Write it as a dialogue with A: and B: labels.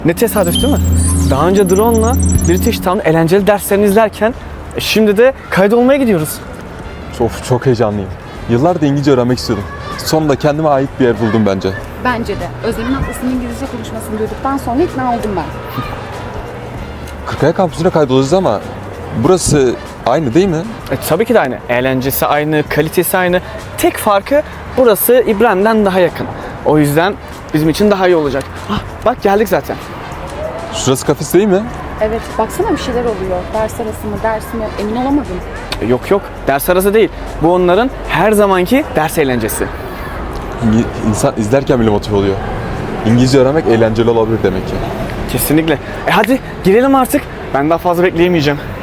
A: Ne tesadüf değil mi? Daha önce drone'la British Town eğlenceli derslerini izlerken şimdi de kaydolmaya gidiyoruz.
B: Çok heyecanlıyım. Yıllardır İngilizce öğrenmek istiyordum. Sonunda kendime ait bir yer buldum bence.
C: Bence de. Özlem'in ablasının İngilizce konuşmasını duyduktan sonra ikna oldum ben.
B: Kırkaya kampüsüne kaydolacağız ama burası aynı değil mi?
A: Tabii ki de aynı. Eğlencesi aynı, kalitesi aynı. Tek farkı burası İbrahim'den daha yakın. O yüzden bizim için daha iyi olacak. Bak geldik zaten.
B: Şurası kafes değil mi?
C: Evet, baksana bir şeyler oluyor. Ders arası mı, ders mi emin olamadım.
A: Yok, ders arası değil. Bu onların her zamanki ders eğlencesi.
B: İnsan izlerken bile motive oluyor. İngilizce öğrenmek eğlenceli olabilir demek ki.
A: Kesinlikle. Hadi girelim artık. Ben daha fazla bekleyemeyeceğim.